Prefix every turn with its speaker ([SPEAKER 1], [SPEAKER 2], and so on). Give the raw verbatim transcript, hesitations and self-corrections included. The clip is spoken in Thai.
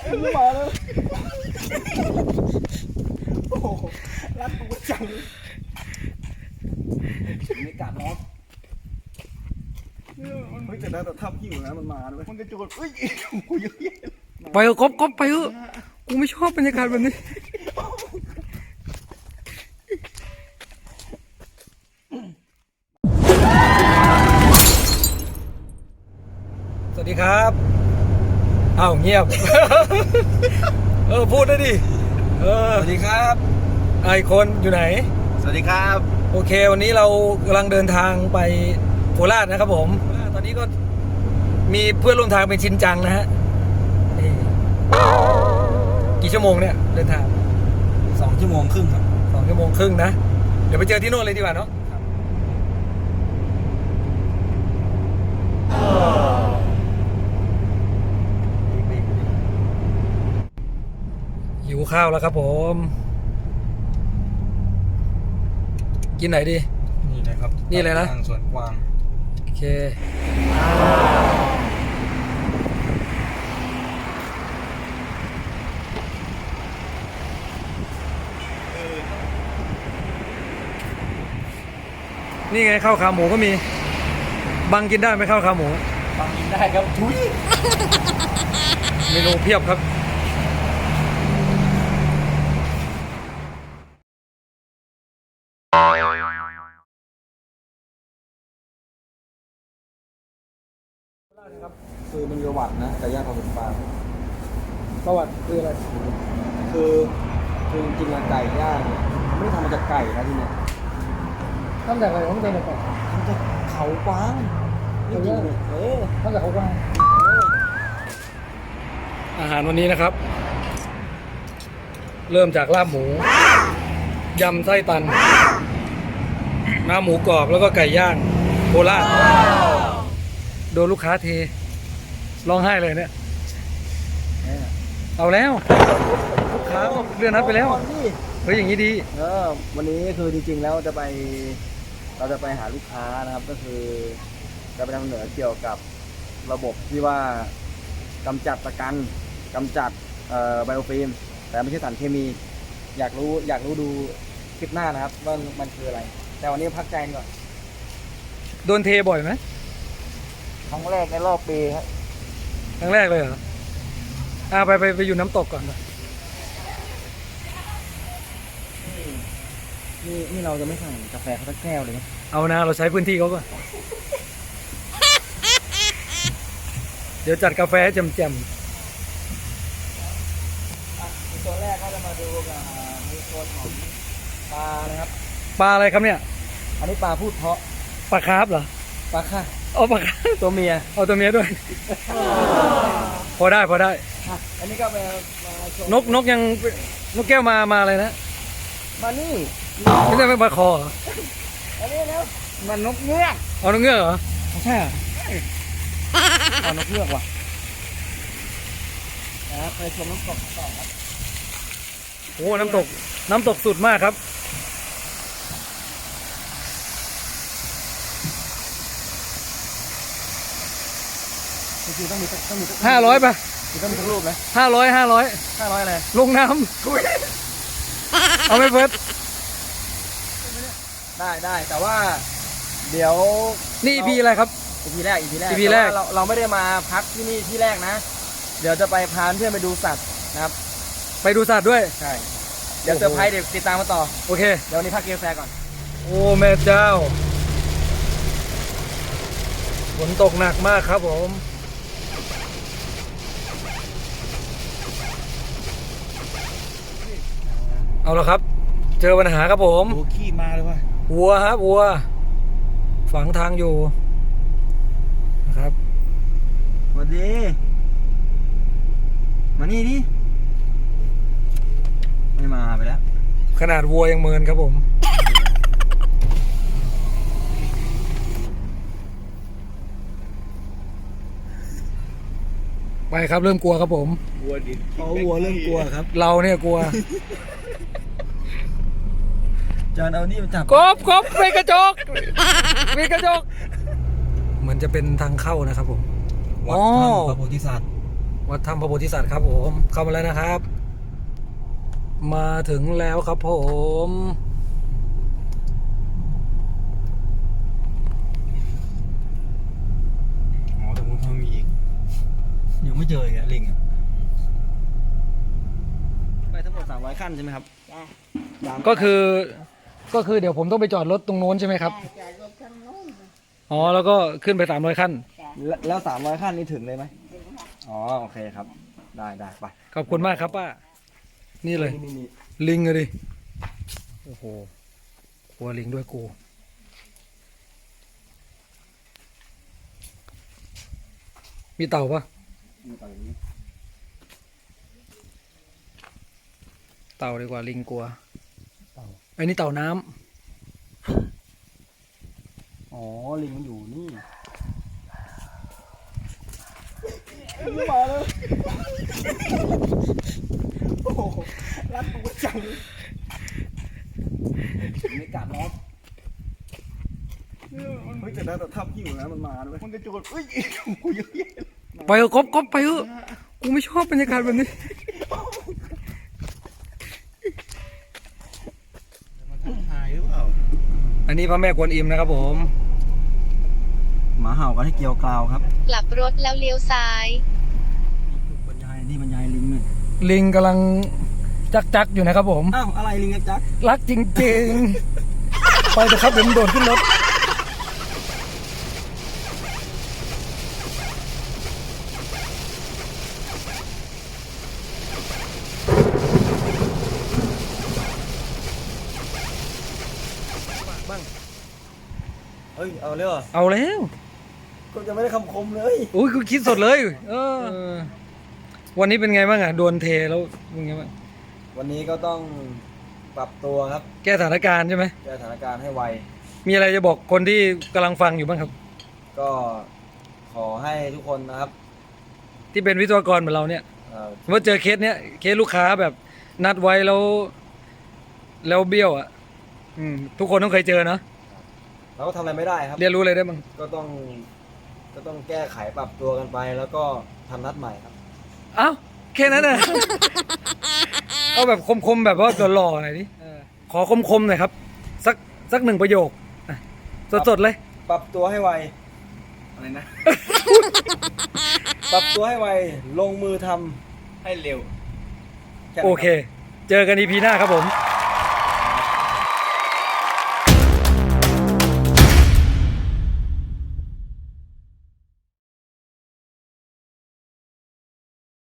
[SPEAKER 1] มาแล้วโอ้โหรักกูจังไม่กัดล็อกเฮ้ยแต่ได้แต่ทับหิวนะมันมาด้วยมันกระโจนเฮ้ยกูเยอะแยะ
[SPEAKER 2] ไปเถอะก๊อฟก๊อฟไปเถอะกูไม่ชอบบรรยากาศแบบนี้สวัสดีครับอ้าวเงียบ เออพูดได้ดิเออ
[SPEAKER 1] สวัสดีครับ
[SPEAKER 2] ไอคนอยู่ไหน
[SPEAKER 1] สวัสดีครับ
[SPEAKER 2] โอเควันนี้เรากำลังเดินทางไปโคราชนะครับผมตอนนี้ก็มีเพื่อนร่วมทางเป็นชินจังนะฮะนี่กี่ชั่วโมงเนี่ยเดินทาง
[SPEAKER 1] สองชั่วโมงครึ่งครับ
[SPEAKER 2] สองชั่วโมงครึ่งนะเดี๋ยวไปเจอที่โน่นเลยดีกว่าเนาะหิวข้าวแล้วครับผมกินไหนดี
[SPEAKER 1] นี่นะครับ
[SPEAKER 2] นี่เลยนะ
[SPEAKER 1] ทางสวนกวาง
[SPEAKER 2] โอเคนี่ไงข้าวขาหมูก็มีบังกินได้ไหมข้าวขาหมู
[SPEAKER 1] ฟังกินได้ครับทุย
[SPEAKER 2] เมนูเพียบครับ
[SPEAKER 1] คือมันมีประวัตินะแต่ย่างความเป็นปลา
[SPEAKER 2] ประวัติคืออะไร
[SPEAKER 1] คือคือจริงๆไก่ย่างเนี่ยมันไม่ได้ทำมาจากไก่นะที่เนี่ย
[SPEAKER 2] ตั้งแต่อะไรตั้งแต่ไหนก่อน
[SPEAKER 1] ทำจากเขากวางนี่จริงเลยเออ
[SPEAKER 2] ตั้งแต่เขากว้างอาหารวันนี้นะครับ เริ่มจากลาบหมูยำไส้ตันน้ำหมูกรอบแล้วก็ไก่ย่างโคราชโดนลูกค้าเทร้องไห้เลยเนี่ย
[SPEAKER 1] เนี่ย
[SPEAKER 2] เอาแล้วลูกค้าเลื่อนนัดไปแล้ว
[SPEAKER 1] นี่
[SPEAKER 2] เฮ้ยอย่างนี้ดี
[SPEAKER 1] เออวันนี้คือจริงๆแล้วจะไปเราจะไปหาลูกค้านะครับ ก็คือจะไปนำเสนอเกี่ยวกับระบบที่ว่ากำจัดตะกันกำจัดเอ่อไบโอฟิล์มแต่ไม่ใช่สารเคมี อยากรู้อยากรู้ดูคลิปหน้านะครับว่ามันคืออะไร แต่วันนี้พักใจก่อน
[SPEAKER 2] โดนเทบ่อยไหม
[SPEAKER 1] ครั้งแรกในรอบปีครับ
[SPEAKER 2] ครั้งแรกเลยเหรออ่าไปไปไปอยู่น้ำตกก่อนไป
[SPEAKER 1] นี่นี่เราจะไม่สั่งกาแฟเขาสักแก้วเลยนะ
[SPEAKER 2] เอานะเราใช้พื้นที่เขาก่อนเดี๋ยวจัดกาแฟให้แจ่ม
[SPEAKER 1] ตัวแรกก็จะมาดูกับในส่วนของปลานะครับ
[SPEAKER 2] ๆปลาอะไรครับเนี่ย
[SPEAKER 1] อันนี้ปลาพูดเพาะ
[SPEAKER 2] ปลาคาร์ฟเหรอ
[SPEAKER 1] ปลาค่ะ
[SPEAKER 2] เอาปลาคาร์ฟ
[SPEAKER 1] ตัวเมีย
[SPEAKER 2] เอาตัวเมียด้วย พอได้พอได้
[SPEAKER 1] อ่ะอันนี้ก็มามาชม
[SPEAKER 2] นกนกยังนกแก้วมามาอะไรนะ
[SPEAKER 1] มานี่
[SPEAKER 2] ไม่ใช่เป็นปลาคอเหรอ
[SPEAKER 1] อันนี้นะมันนกเงือก
[SPEAKER 2] เอานกเงือกเหรอ
[SPEAKER 1] ไม่ใช่เหรอเอานกเงือกว่ะนะครับไปชมน้ำตกต่อครับ
[SPEAKER 2] โอ้น้ำตกน้ำตกสุดมากครับ
[SPEAKER 1] จริงๆต้องมีสักต้องมีสัก
[SPEAKER 2] ห้าร้อยป่ะ
[SPEAKER 1] ต้องมีสักรูปไหม
[SPEAKER 2] ห้าร้อยห้าร้อย
[SPEAKER 1] ห้าร้อยอะไร
[SPEAKER 2] ลงน้ำเอาไหม่เฟิร์ส
[SPEAKER 1] ได้ได้แต่ว่า เดี๋ยว
[SPEAKER 2] นี่พีอะไรครับ
[SPEAKER 1] อีพีแรกอีพีแรก
[SPEAKER 2] อีพีแรก
[SPEAKER 1] ต่ว่าเราเราไม่ได้มาพักที่นี่ที่แรกนะ เดี๋ยวจะไปพาเพื่อนไปดูสัตว์นะครับ
[SPEAKER 2] ไปดูสัตว์ด้วย
[SPEAKER 1] ใช่ เดี๋ยวเซอร์ไพรส์เดี๋ยวติดตามมาต่อ
[SPEAKER 2] โอเค
[SPEAKER 1] เดี๋ยววันนี้พักกินกาแฟก่อน
[SPEAKER 2] โอ้แม่เจ้าฝนตกหนักมากครับผมเอาละครับ เจอปัญหาครับผม
[SPEAKER 1] ดูขี้มาเลยว่ะ
[SPEAKER 2] วัวครับวัว ฝังทางอยู่นะครับ
[SPEAKER 1] สวัสดี มานี่ดิไม่มาไปแล้ว
[SPEAKER 2] ขนาดวัวยังเมินครับผมไปครับเริ่มกลัวครับผม
[SPEAKER 1] วัวดิเขาวัวเริ่มกลัวครับ
[SPEAKER 2] เราเนี่ยกลัว
[SPEAKER 1] จานเอานี่มาจับ
[SPEAKER 2] กบกบมีกระจกมีกระจกเหมือนจะเป็นทางเข้านะครับผม
[SPEAKER 1] วัด
[SPEAKER 2] อ๋อ
[SPEAKER 1] ถ้ำพระโพธิสัตว์
[SPEAKER 2] วัดถ้ำพระโพธิสัตว์ครับผมเข้ามาแล้วนะครับ มาถึงแล้วครับผม
[SPEAKER 1] อ๋อตรงนู้นเขามีอีกยังไม่เจออีกอะลิงอะไปทั้งหมดสามร้อยขั้นใช่ไหมครับ
[SPEAKER 3] จ้ะ
[SPEAKER 2] ก็คือก็คือเดี๋ยวผมต้องไปจอดรถตรงโน้นใช่ไหมครับ
[SPEAKER 3] จอดรถข้างโน้น
[SPEAKER 2] อ๋อแล้วก็ขึ้นไปสามร้อยขั้น
[SPEAKER 3] จ้ะ
[SPEAKER 1] แล้วแล้วสามร้อยขั้นนี้ถึงเลยไหม
[SPEAKER 3] ถึงค่ะ
[SPEAKER 1] อ๋อโอเคครับ ได้ได้ไป
[SPEAKER 2] ขอบคุณมากครับป้า นี่เลย
[SPEAKER 1] นี่นี่
[SPEAKER 2] ลิงเลยดิ โอ้โหกลัวลิงด้วยกู มีเต่าปะ
[SPEAKER 1] นี่ต่ออย่างนี้
[SPEAKER 2] เต่าดีกว่าลิงกลัวไอ้นี่เต่าน้ำ
[SPEAKER 1] อ๋อลิงมันอยู่นี่มาเลยโอ้โหรัดตัวจังไม่กัดหรอกเฮ้ยแต่ได้แต่ทับยิ่งนะมันมาด้วยมันกระโจนเอ้ยกูเยอะแยะ
[SPEAKER 2] ไปเถอะก๊อบก๊อบไปเถอะกูไม่ชอบบรรยากาศแบบนี้
[SPEAKER 1] มันทักทายหรือเปล่า
[SPEAKER 2] อันนี้พระแม่กวนอิมนะครับผม
[SPEAKER 1] หมาเห่ากันให้เกี่ยวกราวครับ
[SPEAKER 4] กลับรถแล้วเลี้ยวซ้าย
[SPEAKER 1] บรรยายนี่บรรยายลิงเนี่ย
[SPEAKER 2] ลิงกำลังจักจักๆอยู่นะครับผม
[SPEAKER 1] อ้าวอะไรลิงจัก
[SPEAKER 2] รักจริงๆ ไปเถอะครับเดี๋ยวมันโดดขึ้นรถ บ้าง
[SPEAKER 1] เฮ้ยเอาเลยเหรอ
[SPEAKER 2] เอาแล้ว
[SPEAKER 1] ก็ยังไม่ได้คำคมเลย
[SPEAKER 2] อุ้ยกูคิดสดเลย เออ วันนี้เป็นไงบ้างอ่ะโดนเทแล้วเป็นไงบ้าง
[SPEAKER 1] วันนี้ก็ต้องปรับตัวครับ
[SPEAKER 2] แก้สถานการณ์ใช่ไหม
[SPEAKER 1] แก้สถานการณ์ให้ไว
[SPEAKER 2] มีอะไรจะบอกคนที่กำลังฟังอยู่บ้างครับ
[SPEAKER 1] ก็ขอให้ทุกคนนะครับ
[SPEAKER 2] ที่เป็นวิศวกรเหมือนเราเนี่ย
[SPEAKER 1] เอ่อ
[SPEAKER 2] ว่าเจอเคสเนี้ยเคสลูกค้าแบบนัดไว้แล้ว แล้วเบี้ยวอ่ะ อืม ทุกคนต้องเคยเจอเนาะ
[SPEAKER 1] เราก็ทำอะไรไม่ได้ครับ
[SPEAKER 2] เรียนรู้อะไรได้บ้าง
[SPEAKER 1] ก็ต้องก็ต้องแก้ไขปรับตัวกันไป แล้วก็ทำนัดใหม่ครับ
[SPEAKER 2] เอ้าแค่นั้นน่ะ เอาแบบคมๆแบบว่าหล่อๆหน่อยดิขอคมๆหน่อยครับ สักสักหนึ่งประโยคอ่ะสดๆเลย
[SPEAKER 1] ปรับตัวให้ไวอะไรนะ ปรับตัวให้ไวลงมือทำให้เร็วแนั้นรับ
[SPEAKER 2] โอเค เจอกันอีพีหน้าครับผม
[SPEAKER 1] ค